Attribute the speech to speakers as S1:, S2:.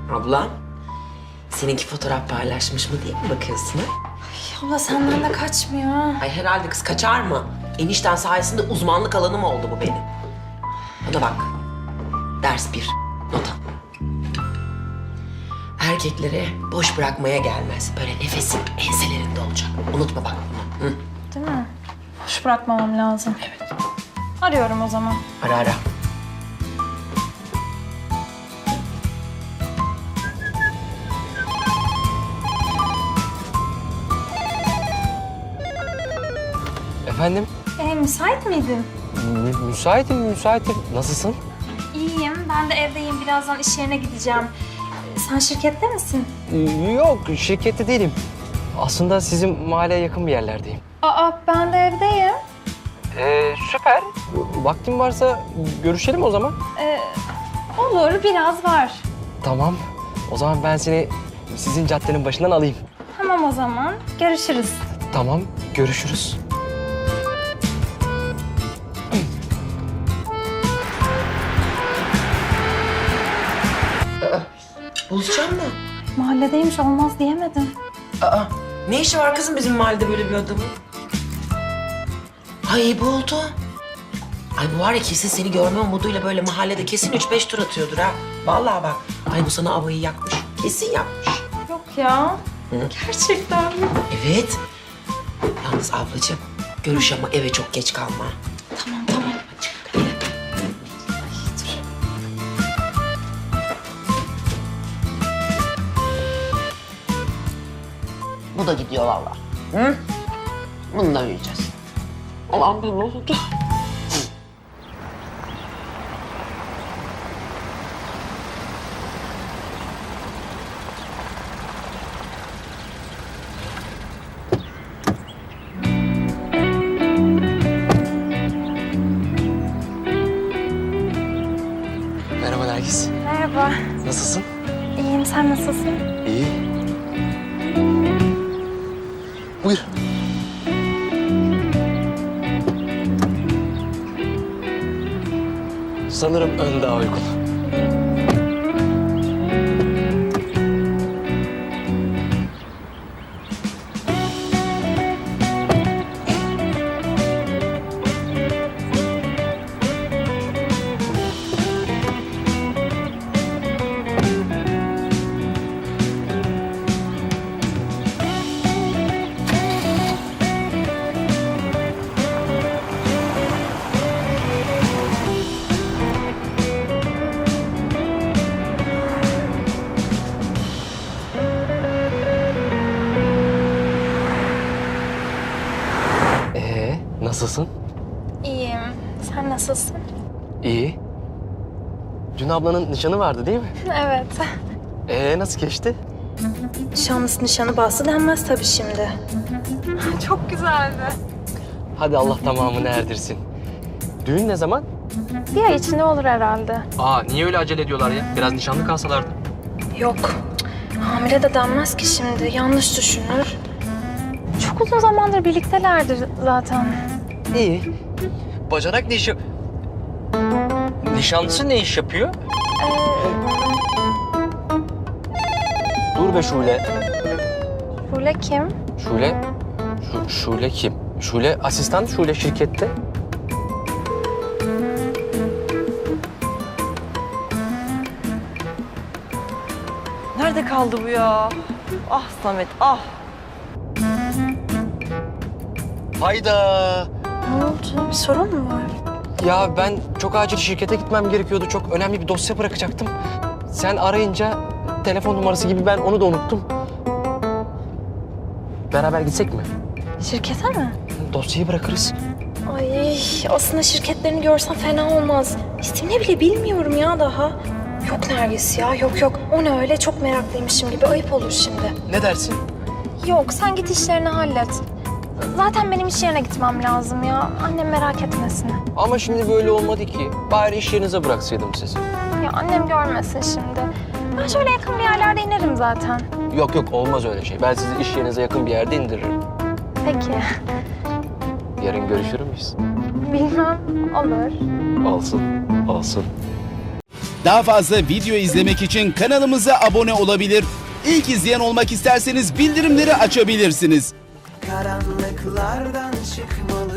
S1: Abla, seninki fotoğraf paylaşmış mı diye mi bakıyorsun ha?
S2: Abla senden de kaçmıyor.
S1: Ay herhalde kız kaçar mı? Enişten sayesinde uzmanlık alanım oldu bu benim. Bana bak, ders 1, not al. Erkeklere boş bırakmaya gelmez. Böyle nefesin enselerinde olacak. Unutma bak bunu. Hı?
S2: Değil mi? Boş bırakmamam lazım.
S1: Evet.
S2: Arıyorum o zaman.
S1: Ara ara.
S3: Efendim?
S2: Müsait miydin?
S3: Müsaitim. Nasılsın?
S2: İyiyim. Ben de evdeyim. Birazdan iş yerine gideceğim. Sen şirkette misin?
S3: Yok, şirkette değilim. Aslında sizin mahalleye yakın bir yerlerdeyim.
S2: Aa, ben de evdeyim.
S3: Süper. Vaktin varsa görüşelim o zaman.
S2: Olur, biraz var.
S3: Tamam. O zaman ben seni sizin caddenin başından alayım.
S2: Tamam o zaman. Görüşürüz.
S3: Tamam, görüşürüz.
S1: Buluşacağım mı?
S2: Mahalledeymiş olmaz diyemedim.
S1: Aa, ne işi var kızım bizim mahallede böyle bir adamın? Ay bu oldu. Ay bu var ya kesin seni görme umuduyla böyle mahallede kesin 3-5 tur atıyordur ha. Vallahi bak. Ay bu sana avayı yakmış. Kesin yakmış.
S2: Yok ya.
S1: Hı?
S2: Gerçekten mi?
S1: Evet. Yalnız ablacığım görüş ama eve çok geç kalma.
S2: Tamam, tamam.
S1: Bu da gidiyor vallahi. Hı? Bunu da yiyeceğiz. Allah'ım bu ne oldu?
S3: Merhaba Nergis.
S2: Merhaba.
S3: Nasılsın?
S2: İyiyim. Sen nasılsın?
S3: İyi. Buyur. Sanırım ön daha uygun. Nasılsın?
S2: İyiyim. Sen nasılsın?
S3: İyi. Dün ablanın nişanı vardı değil mi?
S2: Evet.
S3: Nasıl geçti?
S2: Nişanlısı nişanı bahsi denmez tabii şimdi. Çok güzeldi.
S3: Hadi Allah tamamını erdirsin. Düğün ne zaman?
S2: Bir ay içinde olur herhalde.
S3: Niye öyle acele ediyorlar ya? Biraz nişanlı kalsalardı.
S2: Yok. Hamile de denmez ki şimdi. Yanlış düşünür. Çok uzun zamandır birliktelerdir zaten.
S3: İyi. Bacanak ne iş Nişanlısı ne iş yapıyor? Dur be Şule.
S2: Şule kim?
S3: Şule kim? Şule asistan, Şule şirkette.
S4: Nerede kaldı bu ya? Ah Samet, ah.
S3: Hayda.
S2: Ne oldu? Bir sorun mu var?
S3: Ya ben çok acil şirkete gitmem gerekiyordu. Çok önemli bir dosya bırakacaktım. Sen arayınca telefon numarası gibi ben onu da unuttum. Beraber gitsek mi?
S2: Şirkete mi?
S3: Dosyayı bırakırız.
S2: Ay aslında şirketlerini görsem fena olmaz. İsmini bile bilmiyorum ya daha. Yok Nergis ya, yok. O ne öyle? Çok meraklıymışım gibi. Ayıp olur şimdi.
S3: Ne dersin?
S2: Yok, sen git işlerini hallet. Zaten benim iş yerine gitmem lazım ya. Annem merak etmesin.
S3: Ama şimdi böyle olmadı ki. Bari iş yerinize bıraksaydım sizi.
S2: Ya annem görmesin şimdi. Ben şöyle yakın bir yerlerde inerim zaten.
S3: Yok olmaz öyle şey. Ben sizi iş yerinize yakın bir yerde indiririm.
S2: Peki.
S3: Yarın görüşür müyüz?
S2: Bilmem. Olur.
S3: Olsun.
S5: Daha fazla video izlemek için kanalımıza abone olabilir. İlk izleyen olmak isterseniz bildirimleri açabilirsiniz.
S6: Karanlıklardan çıkmalı